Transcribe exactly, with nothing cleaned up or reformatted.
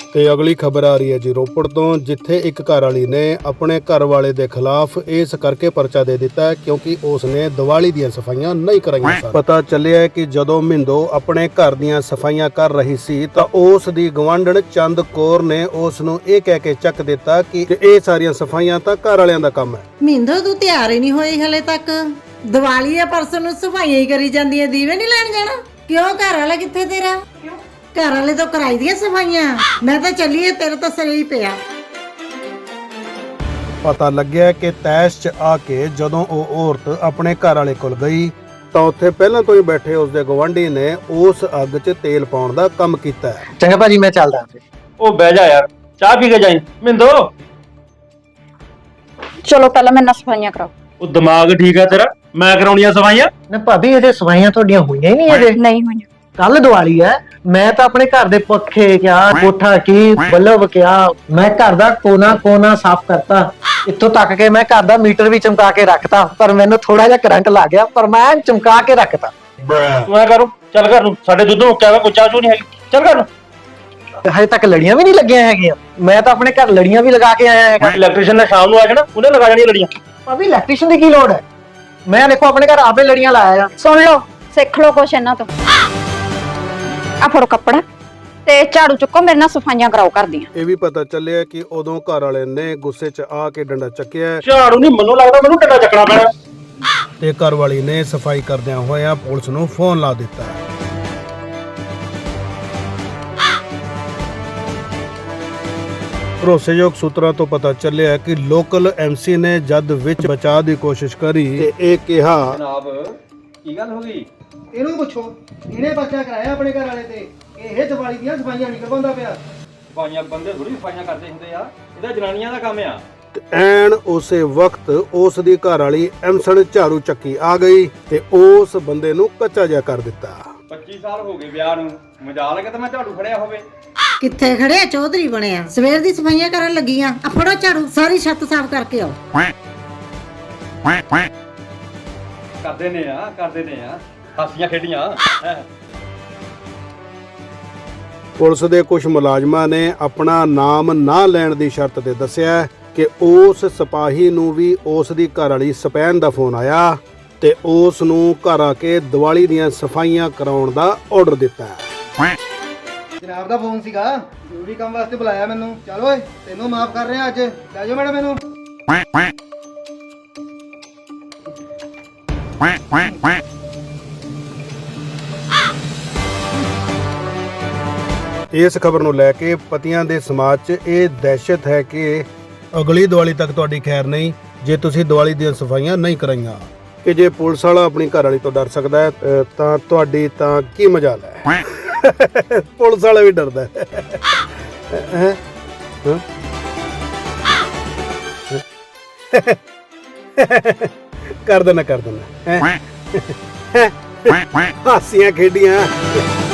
ਤੇ ਅਗਲੀ ਖਬਰ ਆ ਰਹੀ ਹੈ ਜੀ ਰੋਪੜ ਤੋਂ, ਜਿੱਥੇ ਇੱਕ ਘਰ ਵਾਲੀ ਨੇ ਆਪਣੇ ਘਰ ਵਾਲੇ ਦੇ ਖਿਲਾਫ ਇਸ ਕਰਕੇ ਪਰਚਾ ਦੇ ਦਿੱਤਾ ਕਿਉਂਕਿ ਉਸ ਨੇ ਦੀਵਾਲੀ ਦੀਆਂ ਸਫਾਈਆਂ ਨਹੀਂ ਕਰਾਈਆਂ ਸਨ। ਪਤਾ ਚੱਲਿਆ ਕਿ ਜਦੋਂ ਮਿੰਦੋ ਆਪਣੇ ਘਰ ਦੀਆਂ ਸਫਾਈਆਂ ਕਰ ਰਹੀ ਸੀ ਤਾਂ ਉਸ ਦੀ ਗਵਾਂਢਣ ਚੰਦ ਕੌਰ ਨੇ ਉਸ ਨੂੰ ਇਹ ਕਹਿ ਕੇ ਚੱਕ ਦਿੱਤਾ ਕਿ ਇਹ ਸਾਰੀਆਂ ਸਫਾਈਆਂ ਤਾਂ ਘਰ ਵਾਲਿਆਂ ਦਾ ਕੰਮ ਹੈ। ਮਿੰਦੋ ਤੂੰ ਤਿਆਰ ਹੀ ਨਹੀਂ ਹੋਈ ਹਲੇ ਤੱਕ। ਦੀਵਾਲੀ ਆ ਪਰਸੋਂ ਨੂੰ ਸਫਾਈਆਂ ਹੀ ਕਰੀ ਜਾਂਦੀ ਹੈ, ਦੀਵੇ ਨਹੀਂ ਲੈਣ ਜਾਣਾ? ਕਿਉਂ ਘਰ ਵਾਲਾ ਕਿੱਥੇ ਤੇਰਾ? ਘਰ ਵਾਲੇ ਤੋਂ ਕਰਾਈ ਦੀਆਂ ਸਫਾਈਆਂ। ਮੈਂ ਤਾਂ ਚੱਲੀਏ, ਤੇਰੇ ਤਾਂ ਸਿਰ ਹੀ ਪਿਆ। ਪਤਾ ਲੱਗਿਆ ਕਿ ਤੈਸ਼ 'ਚ ਆ ਕੇ ਜਦੋਂ ਉਹ ਔਰਤ ਆਪਣੇ ਘਰ ਵਾਲੇ ਕੋਲ ਗਈ ਤਾਂ ਉੱਥੇ ਪਹਿਲਾਂ ਤੋਂ ਹੀ ਬੈਠੇ ਉਸਦੇ ਗਵਾਂਢੀ ਨੇ ਉਸ ਅੱਗ 'ਚ ਤੇਲ ਪਾਉਣ ਦਾ ਕੰਮ ਕੀਤਾ। ਚੰਗਾ ਭਾਜੀ, ਮੈਂ ਚੱਲਦਾ ਫਿਰ। ਉਹ ਬਹਿ ਜਾ ਯਾਰ, ਚਾਹ ਪੀ ਕੇ ਜਾਈਂ। ਮਿੰਦੋ ਚਲੋ ਪਹਿਲਾਂ ਮੇਰੇ ਨਾਲ ਸਫਾਈਆਂ ਕਰਾਓ। ਉਹ ਦਿਮਾਗ ਠੀਕ ਆ ਤੇਰਾ? ਮੈਂ ਕਰਾਉਣੀਆਂ ਸਫਾਈਆਂ? ਨਾ ਭਾਬੀ, ਇਹਦੇ ਸਫਾਈਆਂ ਤੁਹਾਡੀਆਂ ਹੋਈਆਂ ਹੀ ਨਹੀਂ ਇਹਦੇ। ਨਹੀਂ ਹੋਈਆਂ। ਕੱਲ ਦੀਵਾਲੀ ਹੈ, ਮੈਂ ਤਾਂ ਆਪਣੇ ਘਰ ਦੇ ਪੱਖੇ ਕਿਆ, ਕੋਠਾ ਕੀ, ਬੱਲਬ ਕਿਆ, ਮੈਂ ਘਰ ਦਾ ਕੋਨਾ ਕੋਨਾ ਸਾਫ਼ ਕਰਤਾ। ਇੱਥੋਂ ਤੱਕ ਕਿ ਮੈਂ ਘਰ ਦਾ ਮੀਟਰ ਵੀ ਚਮਕਾ ਕੇ ਰੱਖਤਾ, ਪਰ ਮੈਨੂੰ ਥੋੜਾ ਜਿਹਾ ਕਰੰਟ ਲੱਗ ਗਿਆ, ਪਰ ਮੈਂ ਚਮਕਾ ਕੇ ਰੱਖਤਾ। ਤੂੰ ਐ ਕਰੋ, ਚੱਲ ਘਰ ਨੂੰ, ਸਾਡੇ ਦੁੱਧ ਮੁੱਕਿਆ ਵਾ, ਕੋਈ ਚਾਹ ਚੂ ਨਹੀਂ ਹੈਗੀ, ਚੱਲ ਘਰ ਨੂੰ। ਹਜੇ ਤੱਕ ਲੜੀਆਂ ਵੀ ਨਹੀਂ ਲੱਗੀਆਂ ਹੈਗੀਆਂ। ਮੈਂ ਤਾਂ ਆਪਣੇ ਘਰ ਲੜੀਆਂ ਵੀ ਲਗਾ ਕੇ ਆਇਆ ਹੈਗਾ। ਇਲੈਕਟ੍ਰੀਸ਼ੀਅਨ ਨੇ ਸ਼ਾਮ ਨੂੰ ਆ ਜਾਣਾ, ਉਹਨੇ ਲਗਾ ਜਾਣੀਆਂ ਲੜੀਆਂ। ਭਾਬੀ, ਇਲੈਕਟ੍ਰੀਸ਼ੀਅਨ ਦੀ ਕੀ ਲੋੜ ਹੈ? ਮੈਂ ਦੇਖੋ ਆਪਣੇ ਘਰ ਆਪੇ ਲੜੀਆਂ ਲਾਇਆ ਆ। ਸੁਣ ਲਓ, ਸਿੱਖ ਲਓ ਕੁਛ ਇਹਨਾਂ ਤੋਂ। ਆ ਫੜੋ ਕੱਪੜਾ ਤੇ ਝਾੜੂ ਚੁੱਕੋ, ਮੇਰੇ ਨਾਲ ਸਫਾਈਆਂ ਕਰਾਓ ਘਰ ਦੀਆਂ। ਇਹ ਵੀ ਪਤਾ ਚੱਲਿਆ ਕਿ ਉਦੋਂ ਘਰ ਵਾਲੇ ਨੇ ਗੁੱਸੇ 'ਚ ਆ ਕੇ ਡੰਡਾ ਚੱਕਿਆ ਝਾੜੂ ਨਹੀਂ, ਮੈਨੂੰ ਲੱਗਦਾ ਮੈਨੂੰ ਡੰਡਾ ਚੱਕਣਾ ਪੈਣਾ। ਤੇ ਘਰ ਵਾਲੀ ਨੇ ਸਫਾਈ ਕਰਦਿਆਂ ਹੋਇਆਂ ਪੁਲਿਸ ਨੂੰ ਫੋਨ ਲਾ ਦਿੱਤਾ। ਭਰੋਸੇਯੋਗ ਸੂਤਰਾਂ ਤੋਂ ਪਤਾ ਚੱਲਿਆ ਕਿ ਲੋਕਲ ਐਮਸੀ ਨੇ ਜਦ ਵਿੱਚ ਬਚਾਅ ਦੀ ਕੋਸ਼ਿਸ਼ ਕਰੀ ਤੇ ਇਹ ਕਿਹਾ, ਜਨਾਬ ਕੀ ਗੱਲ ਹੋ ਗਈ? ਇਹਨੂੰ ਪੁੱਛੋ, ਇਹਨੇ ਬੱਚਾ ਕਰਾਇਆ ਆਪਣੇ ਘਰ ਵਾਲੇ ਤੇ। ਇਹ ਦੀਵਾਲੀ ਦੀਆਂ ਸਫਾਈਆਂ ਨਹੀਂ ਕਰਵਾਉਂਦਾ ਪਿਆ। ਸਫਾਈਆਂ ਬੰਦੇ ਥੋੜੀ ਸਫਾਈਆਂ ਕਰਦੇ ਹੁੰਦੇ ਆ, ਇਹਦਾ ਜਨਾਨੀਆਂ ਦਾ ਕੰਮ ਆ। ਤੇ ਐਨ ਉਸੇ ਵਕਤ ਉਸ ਦੀ ਘਰ ਵਾਲੀ ਐਮਸਣ ਝਾੜੂ ਚੱਕੀ ਆ ਗਈ ਤੇ ਉਸ ਬੰਦੇ ਨੂੰ ਕੱਚਾ ਜਿਹਾ ਕਰ ਦਿੱਤਾ। ਪੱਚੀ ਸਾਲ ਹੋ ਗਏ ਵਿਆਹ ਨੂੰ, ਮਜਾਲ ਹੈ ਕਿ ਮੈਂ ਝਾੜੂ ਫੜਿਆ ਹੋਵੇ। ਕਿੱਥੇ ਖੜਿਆ? ਚੌਧਰੀ ਬਣਿਆ। ਸਵੇਰ ਦੀ ਸਫਾਈਆਂ ਕਰਨ ਲੱਗੀਆਂ। ਆ ਫੜੋ ਝਾੜੂ, ਸਾਰੀ ਛੱਤ ਸਾਫ਼ ਕਰਕੇ ਆਓ। ਕਰਦੇ ਨੇ ਆ, ਕਰਦੇ ਨੇ ਆ, ਹਾਸੀਆਂ ਖੇਡੀਆਂ। ਪੁਲਿਸ ਦੇ ਕੁਝ ਮੁਲਾਜ਼ਮਾਂ ਨੇ ਆਪਣਾ ਨਾਮ ਨਾ ਲੈਣ ਦੀ ਸ਼ਰਤ ਤੇ ਦੱਸਿਆ ਕਿ ਉਸ ਸਿਪਾਹੀ ਨੂੰ ਵੀ ਉਸ ਦੀ ਘਰ ਵਾਲੀ ਸਪੈਨ ਦਾ ਫੋਨ ਆਇਆ ਤੇ ਉਸ ਨੂੰ ਘਰ ਆ ਕੇ ਦੀਵਾਲੀ ਦੀਆਂ ਸਫਾਈਆਂ ਕਰਾਉਣ ਦਾ ਆਰਡਰ ਦਿੱਤਾ। ਜਨਾਬ ਦਾ ਫੋਨ ਸੀਗਾ, ਜ਼ਰੂਰੀ ਕੰਮ ਵਾਸਤੇ ਬੁਲਾਇਆ ਮੈਨੂੰ। ਚੱਲ ਓਏ, ਤੈਨੂੰ ਮਾਫ ਕਰ ਰਿਹਾ ਅੱਜ। ਲੈ ਜਾਓ ਮੈਡਮ ਇਹਨੂੰ। ਇਸ ਖਬਰ ਨੂੰ ਲੈ ਕੇ ਪਤੀਆਂ ਦੇ ਸਮਾਜ 'ਚ ਇਹ ਦਹਿਸ਼ਤ ਹੈ ਕਿ ਅਗਲੀ ਦੀਵਾਲੀ ਤੱਕ ਤੁਹਾਡੀ ਖੈਰ ਨਹੀਂ ਜੇ ਤੁਸੀਂ ਦੀਵਾਲੀ ਦੀਆਂ ਸਫਾਈਆਂ ਨਹੀਂ ਕਰਾਈਆਂ। ਕਿ ਜੇ ਪੁਲਿਸ ਵਾਲਾ ਆਪਣੀ ਘਰ ਵਾਲੀ ਤੋਂ ਡਰ ਸਕਦਾ ਹੈ ਅ, ਤਾਂ ਤੁਹਾਡੀ ਤਾਂ ਕੀ ਮਜਾਲ ਹੈ। ਪੁਲਿਸ ਵਾਲਾ ਵੀ ਡਰਦਾ ਹੈ। ਹੈਂ? ਹਾਂ? ਕਰ ਦੇਣਾ ਕਰ ਦੇਣਾ ਹੈਂ? ਹਾਸੀਆਂ ਖੇਡੀਆਂ।